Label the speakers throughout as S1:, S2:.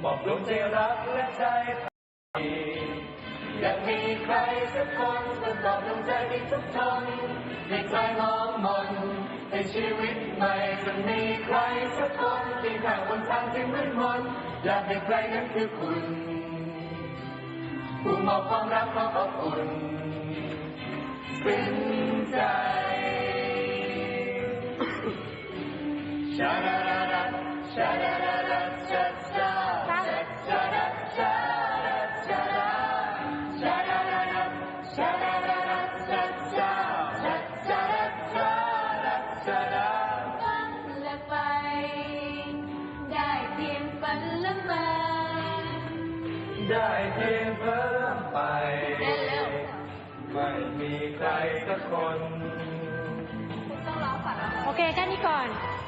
S1: บอกดวงใจรักและใจอยากมีใครสักคนมาตอบดวงใจที่ทุกทนให้ใครมองมนในชีวิตใหม่จะมีใครสักคนที่ข้างบนทางที่มืดมนอยากให้ใครนั้นคือคุณผู้มอบความรักความอบอุ่นซึ้งใจชาดาดาดาชาดาดาดาชาชาชาดาชาดาชาดาชาดาดาดาชาดาดาดาชาชาชาดาชาดาชาดา
S2: ฝันและไปได้เพียงฝันละเมอ
S1: ได้เพียงเพิ่มไปไม่มีใครสักคน
S2: ต้องร้องฝัน
S3: โอเคแค่นี้ก่อน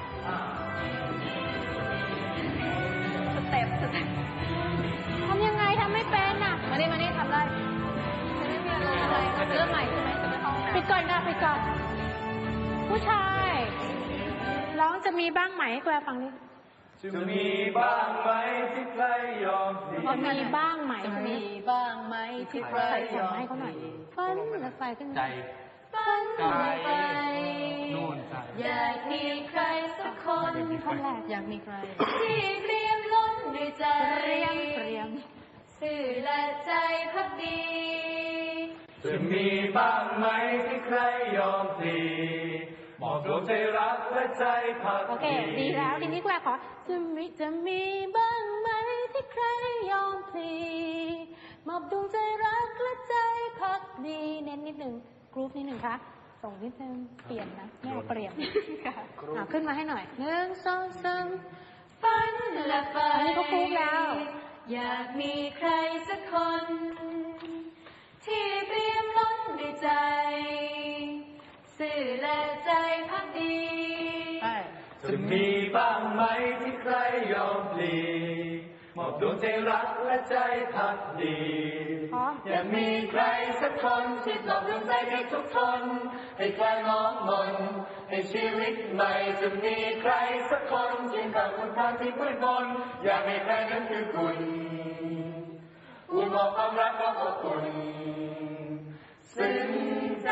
S2: สเต็ป
S3: ทำยังไงทำไม่เป็นอ่ะ
S2: มานี่ทำได้จะไม่มีอารมณ์อะไรเริ่มใหม่ใช่ไหมจะไม่เข้าห้องน้ำ
S3: ปิดก่อนค่ะปิดก่อนผู้ชายร้องจะมีบ้างไหมแกวฟังนี้
S1: จะมีบ้างไหมที่ใครยอมสิ
S3: มีบ้างไหม
S2: จะมีบ้างไหมที่ใครยอม
S3: ให้เขาหน่อยฝันและไฟขึ้น
S1: ใจ
S2: ฝันและไฟ
S1: นู่นใจ
S2: อยากมีใครสักคน
S3: อยากมีใคร
S2: ที่เตรียมล้นด้วยใจ
S3: เตรียม
S2: ซื่อและใจพักดี
S1: จะมีบ้างไหมที่ใครยอมสิมอบดวงใจรักและใจพักดี
S3: โอเคดีแล้วทีนี้แกขอจะมีบ้างไหมที่ใครยอมพลีมอบดวงใจรักและใจพักดีเน้นนิดหนึ่งกรุ๊ปนิดหนึ่งคะส่งนิดนึงเปลี่ยนนะไม่เอาเปลี่ยนขึ้นมาให้หน่อย1 2 3
S2: ฝันและไฟ
S3: อันนี้ก็กรุ๊ปแล้ว
S2: อยากมีใครสักคนที่เตรียมล้นด้วยใจซื่อและใจพักดี
S1: จะมีบ้างไหมที่ใครยอมพลีมอบดวงใจรักและใจพักดีอยากมีใครสักคนที่ตอบดวงใจให้ทุกคนให้ใครมองมนให้ชีวิตใหม่จะมีใครสักคนที่กับคนทางที่มืดมนอยากให้ใครนั้นคือคุณผู้มอบความรักความอบอุ่นซึ้งใจ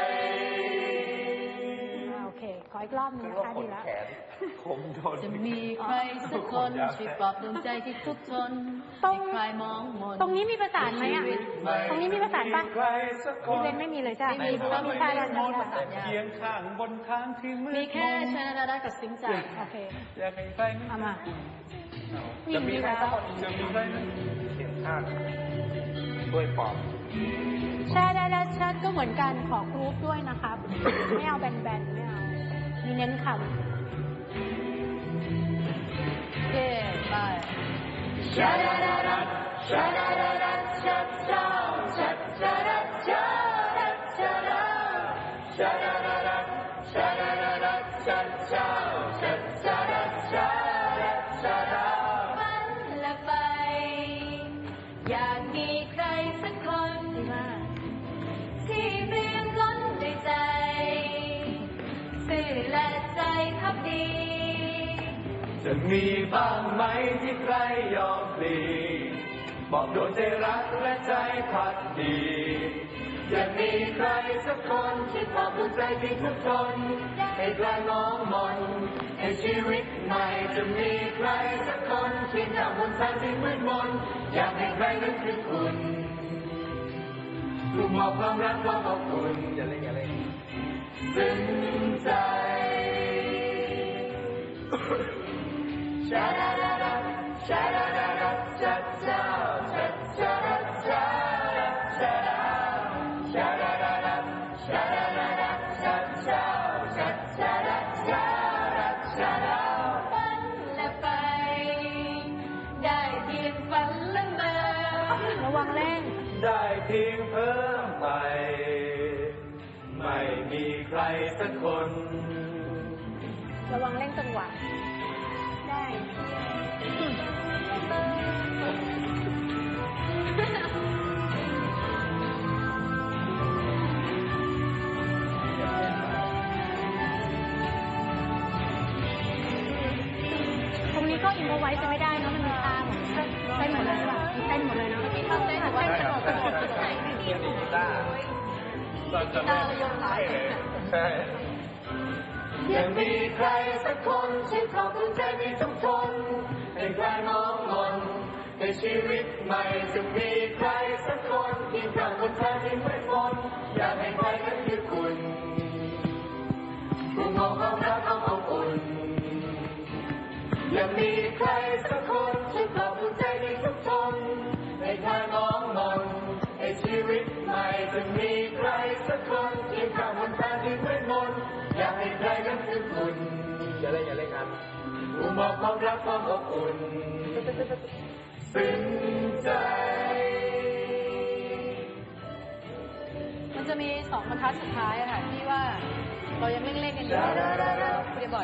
S3: ขออีกรอบนึงนะคะดีแล้ว
S2: จะมีใครสักคนช่วยปลอบดวงใจที่ทุกทนใครมองมน
S3: ตรงนี้มีประสานไหมอ่ะตรงนี้มีประสานป่ะพี่เบนไม่มีเลยจ้ะ
S2: ไม่มี
S3: ใช่แล้ว
S1: ประสานเคียงข้างบนทางที่มืด
S2: มีแค่ชนะดากับสิงใจ
S3: โอเค
S1: อยากให้ใคร
S3: เอามา
S1: จะมีใครสักคนจะมีใครเคียงข้างด้วยปลอบ
S3: ใช่ได้ชัดก็เหมือนกันขอกรุ๊ปด้วยนะครับไม่เอาแบนไม่เอามีเน้นคำ
S2: เย้ไป
S1: ชาดาดาดาชาดาดาดาชาชาชาชาดาชาดาชาดาชาดาดาดาชาดาดาดาชาชาชาชาดาชาดาชาดา
S2: ฝันและไปอยากมีใครสักคนที่เตรียมล้นด้วยใจซื่อและใจพักดี
S1: จะมีบ้างไหมที่ใครยอมพลีบอกดวงใจรักและใจพักดีอยากมีใครสักคนที่มอบดวงใจที่ทุกคนให้ใครมองมนให้ชีวิตใหม่จะมีใครสักคนที่นำบนทางที่มืดมนอยากให้ใครนั้นคือคุณผู้มอบความรักความอบอุ่นอย่าเล่นซึ้งใจชาดาดาดาชาดาดาดาชาชาชาชาชาชาดาชาดาดาดาชาดาดาดาชาชาชาชาดาชาดาชาดา
S2: ฝันและไปได้เพียงฝันละเมอ
S3: ระวังแรง
S1: ได้เพียงเพิ่มไปไม่มีใครสักคน
S3: ระวังเร่งจังหวะได้ ตรงนี้ก็อินโฟไว้จะไม่ได้นะมันมีทาง
S1: ตอนจะ
S2: ตาเรายกขา
S1: ใช่ยังมีใครสักคนที่ขอบคุณใจมีทุกคนให้ใครมองมนในชีวิตใหม่จะมีใครสักคนที่กำบนทางที่มืดมนอยากให้ใครนั้นคือคุณผู้มองความรักความอบอุ่นยังมีใครสักคนที่ขอบคุณใจมีทุกคนให้ใครมองมนในชีวิตใหม่จะมีใครสักคนที่กำบนทางที่มืดมนอยากให้ใครนั้นคือคุณอย่าเล่นครับผู้มอบความรักความอบอุ่นซึ้งใจ
S2: มันจะมี2 บรรทัดสุดท้ายอะค่ะที่ว่าเรายังเล่นๆกันอยู่คุณจะบอก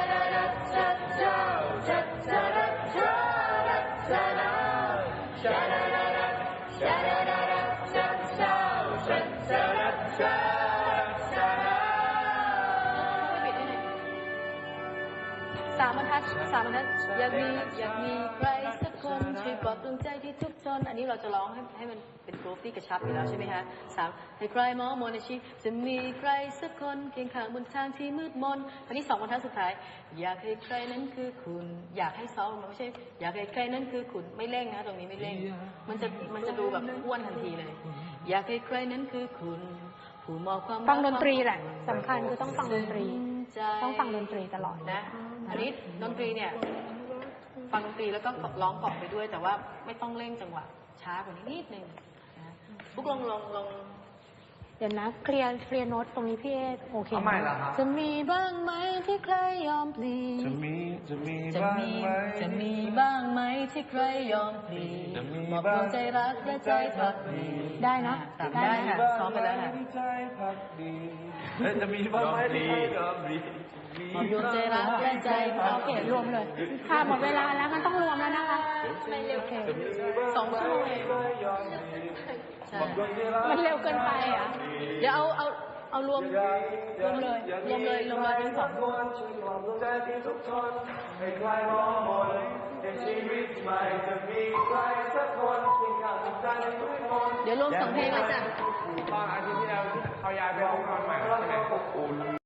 S2: 3 บรรทัดอยากมีใครสักคนช่วยปลอบดวงใจที่ทุกข์ทนอันนี้เราจะร้องให้มันเป็นกรุ๊ปที่กระชับอยู่แล้วใช่ไหมคะ3ให้ใครมองมนในชีวิตจะมีใครสักคนเคียงข้างบนทางที่มืดมนอันนี้2 บรรทัดสุดท้ายอยากให้ใครนั้นคือคุณอยากให้ซ้อมมันไม่ใช่อยากให้ใครนั้นคือคุณไม่เร่งนะตรงนี้ไม่เร่งมันจะดูแบบอ้วนทันทีเลยอยากให้ใครนั้นคือคุณผู้มอบความ
S3: ฟังดนตรีแหละสำคัญคือต้องฟังดนตรี ต้องฟังดนตรีตลอด
S2: นะอันนี้ดนตรีเนี่ยฟังดนตรีแล้วก็ร้องเกาะไปด้วยแต่ว่าไม่ต้องเร่งจังหวะช้ากว่านี้นิดนึงนะพวกลอง
S3: เดี๋ยวนะเคลียร์โน้ตตรงนี้พี่เอโอเค
S1: เอาใหม่เหรอครับ
S3: จะมีบ้างไหมที่ใครยอมพลี
S1: จะมี
S2: จะ
S1: บ้าง
S2: มี
S1: ไหม
S2: จะมีบ้างไหมที่ใครยอมพลี
S1: จะมี
S2: บอก
S1: บ้าง
S2: ดวงใจรักและใจพักดี
S3: ได้เนาะ
S2: ได้ค่ะซ้อมไปแล้วค่ะ
S1: ใจพักดีจะมีบ้างไหมที่ใครยอมพลี
S2: บอกดวงใจรักและใจพัก
S3: โอเครวมเลยค่ะหมดเวลาแล้วมันต้องรวมแล้วนะคะ
S2: ไม่เร็ว
S3: โอเค
S2: 2 ชั่วโมงเองใช่
S3: มันเร็วเกินไปอ่ะ
S2: เดี๋ยวเอารวมเลยทั้ง2
S1: ให้ใครมองมนในชีวิตใหม่จะมีใครสักคนที่ข้างใจทุกคน
S2: เดี๋ยวรวม2 เพลงเลยจ้ะ
S1: ตอนอาทิตย์ที่แล้วที่เขาย้ายไปห้องนอนใหม่ใช่ไหม